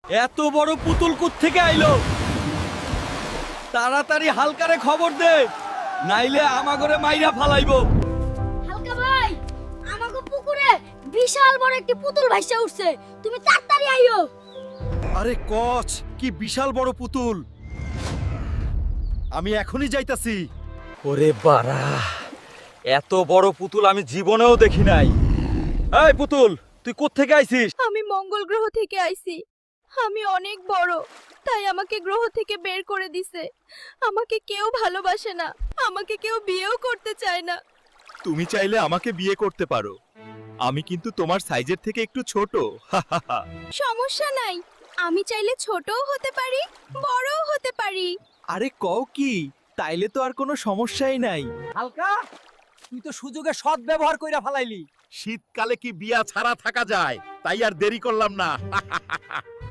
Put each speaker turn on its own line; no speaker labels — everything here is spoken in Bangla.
এত বড় পুতুল থেকে আইলো? তাড়াতাড়ি হালকারে খবর দে, নাইলে আমাগরে মাইরা ফালাইবো।
হালকা ভাই, আমাগো পুকুরে বিশাল বড় একটি পুতুল ভাইসা উঠছে, তুমি তাড়াতাড়ি আইও।
আরে কচ, কি বিশাল বড় পুতুল! আমি এখনই যাইতাছি।
ওরে বাড়া, এত বড় পুতুল আমি জীবনেও দেখি নাই। এই পুতুল, তুই কোত্থেকে আইছিস?
আমি মঙ্গল গ্রহ থেকে আইছি। আমি অনেক বড়, তাই আমাকে গ্রহ থেকে বের করে দিছে। আমাকে কেউ ভালোবাসে না, আমাকে কেউ বিয়েও করতে চায় না।
তুমি চাইলে আমাকে বিয়ে করতে পারো, আমি কিন্তু তোমার সাইজের থেকে একটু ছোট।
সমস্যা নাই, আমি চাইলে ছোটও হতে পারি, বড়ও হতে পারি।
আরে কও কি, তাইলে তো আর কোনো সমস্যাই নাই।
হালকা, তুই তো সুযোগে সৎ ব্যবহার কইরা ফালাইলি।
শীতকালে কি বিয়া ছাড়া থাকা যায়? তাই আর দেরি করলাম না।